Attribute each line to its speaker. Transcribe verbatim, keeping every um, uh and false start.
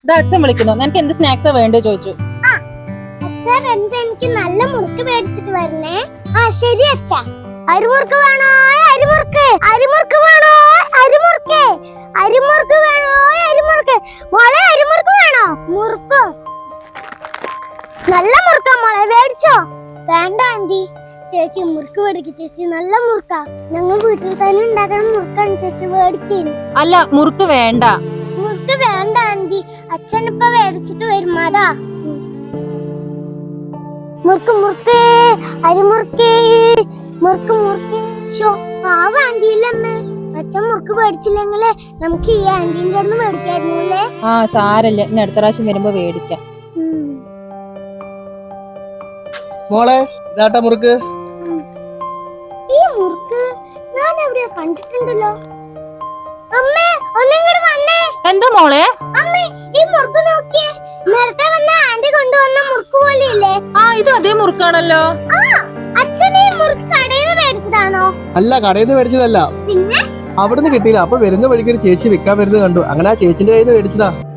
Speaker 1: ഇതാ അച്ഛൻ വിളിക്കുന്നു. നിനക്ക് എന്ത് സ്നാക്സാ വേണ്ടേ ചോദിച്ചു.
Speaker 2: അച്ഛൻ എനിക്ക് നല്ല മുറുക്ക് മേടിച്ചിട്ട് വരണേ. ആ ശരി അച്ഛാ. അരിമുറുക്ക് വേണോ? അരിമുറുക്ക് അരിമുറുക്ക് വേണോ? അരിമുറുക്ക് അരിമുറുക്ക് വേണോ? അരിമുറുക്ക് മോളെ അരിമുറുക്ക് വേണോ? മുറുക്കോ? നല്ല മുറുക്കാ മോളെ, മേടിച്ചോ? വേണ്ട ആന്റി, ചേച്ചി മുറുക്ക് മേടിക്കും. ചേച്ചി നല്ല മുറുക്കാ, ഞങ്ങൾ വീട്ടിൽ തന്നെ ഉണ്ടാക്കണം മുറുക്കാണ് ചേച്ചി, മേടിക്കുന്നു.
Speaker 1: അല്ല, മുറുക്ക് വേണ്ട.
Speaker 2: മുറുക്ക് വേണ്ട ആന്റി, അച്ഛൻ ഇപ്പൊ മേടിച്ചിട്ട് വരും. അതാ മുറുക്ക് മുറുക്ക് അരിമുറുക്ക് മുറുക്ക് മുറുക്ക്. ഷോ പാവ ആന്റിയില്ലമ്മേ, അച്ഛൻ മുറുക്ക് മേടിച്ചില്ലെങ്കിലേ നമുക്ക് ഈ ആന്റീൻ്റെ അടുത്ത് മേടിക്കായിരുന്നല്ലേ.
Speaker 1: ആ സാരല്ലേ, ഇനി അടുത്ത പ്രാവശ്യം വരുമ്പോ മേടിക്കാം.
Speaker 3: മോളെ ഇതാട്ടാ മുറുക്ക്.
Speaker 2: ഈ മുറുക്ക് ഞാൻ എവിടെയോ കണ്ടിട്ടുണ്ടല്ലോ. അമ്മേ ഒന്നിങ്ങോട്ട് വന്നേ.
Speaker 1: എന്താ മോളെ?
Speaker 2: അമ്മേ ഈ മുറുക്ക് നോക്കിയേ, നേരത്തെ വന്ന ആന്റി കൊണ്ടുവന്ന മുറുക്ക് പോലെയില്ലേ?
Speaker 1: ആ ഇത് അതേ മുറുക്കാണല്ലോ.
Speaker 2: ആ അച്ഛൻ ഈ മുറുക്ക് കടയിൽ നിന്ന് മേടിച്ചതാണോ?
Speaker 3: അല്ല, കടയിൽ നിന്ന് മേടിച്ചതല്ല,
Speaker 2: പിന്നെ
Speaker 3: അവിടുന്ന് കിട്ടിയില്ല. അപ്പൊ വരുന്ന വഴിക്ക് ഒരു ചേച്ചി വിൽക്കാൻ വരുന്നത് കണ്ടു, അങ്ങനെ ആ ചേച്ചിന്റെ കയ്യിൽ നിന്ന് മേടിച്ചതാ.